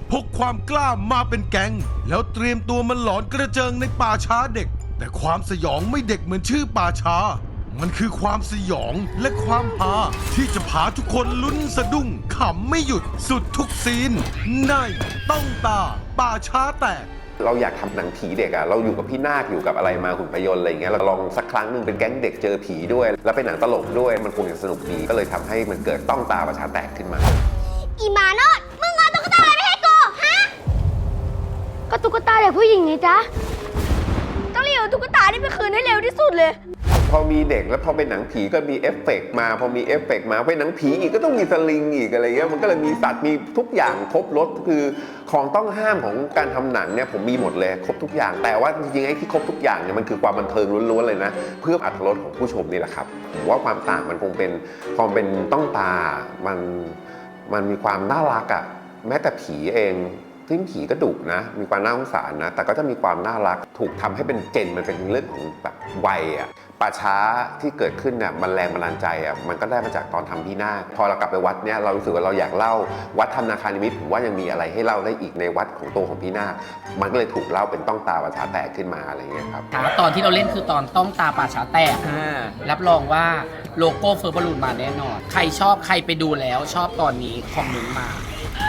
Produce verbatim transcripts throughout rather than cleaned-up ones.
พกความกล้ามาเป็นแก๊งแล้วเตรียมตัวมันหลอนกระเจิงในป่าช้าเด็กแต่ความสยองไม่เด็กเหมือนชื่อป่าช้ามันคือความสยองและความฮาที่จะพาทุกคนลุ้นสะดุ้งขำไม่หยุดสุดทุกซีนในต้องตาป่าช้าแตกเราอยากทำหนังผีเด็กอะเราอยู่กับพี่นาคอยู่กับอะไรมาหุ่นพยนต์อะไรอย่างเงี้ยเราลองสักครั้งหนึ่งเป็นแก๊งเด็กเจอผีด้วยแล้วเป็นหนังตลกด้วยมันคงจะสนุกดีก็เลยทำให้มันเกิดต้องตาป่าช้าแตกขึ้นมาอีหมาโนดมึงเอาตุ๊กตาอะไรไปให้กูฮะก็ตุ๊กตาเด็กผู้หญิงไงจ๊ะต้องรีบเอาตุ๊กตานี่ไปคืนให้เร็วที่สุดเลยพอมีเด็กแล้วพอเป็นหนังผีก็มีเอฟเฟกต์มาพอมีเอฟเฟกต์มาเป็นหนังผีอีกก็ต้องมีสลิงอีกอะไรเงี้ยมันก็เลยมีสัตว์มีทุกอย่างครบรสคือของต้องห้ามของการทำหนังเนี่ยผมมีหมดเลยครบทุกอย่างแต่ว่าจริงๆไอ้ที่ครบทุกอย่างเนี่ยมันคือความบันเทิงล้วนๆเลยนะเพื่ออรรถรสของผู้ชมนี่แหละครับผมว่าความต่างมันคงเป็นความเป็นต้องตามันมันมีความน่ารักอ่ะแม้แต่ผีเองซึ่งผีก็ดุนะมีความน่าสงสารนะแต่ก็จะมีความน่ารักถูกทำให้เป็นเจนมันเป็นเรื่องของแบบวัยอ่ะป่าช้าที่เกิดขึ้นเนี่ยมันแรงบันดาลใจอ่ะมันก็ได้มาจากตอนทำพี่นาคพอเรากลับไปวัดเนี่ยเรารู้สึกว่าเราอยากเล่าวัดธนาคารนิมิตผมว่ายังมีอะไรให้เล่าได้อีกในวัดของตัวของพี่นาคมันก็เลยถูกเล่าเป็นต้องตาป่าช้าแตกขึ้นมาอะไรเงี้ยครับตอนที่เราเล่นคือตอนต้องตาป่าช้าแตกรับรองว่าโลโก้เฟอร์บอลูนมาแน่นอนใครชอบใครไปดูแล้วชอบตอนนี้คอมเมนต์มา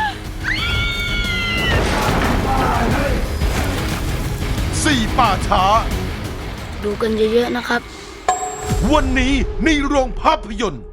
สี่ป่าช้าดูกันเยอะๆนะครับวันนี้ในโรงภาพยนตร์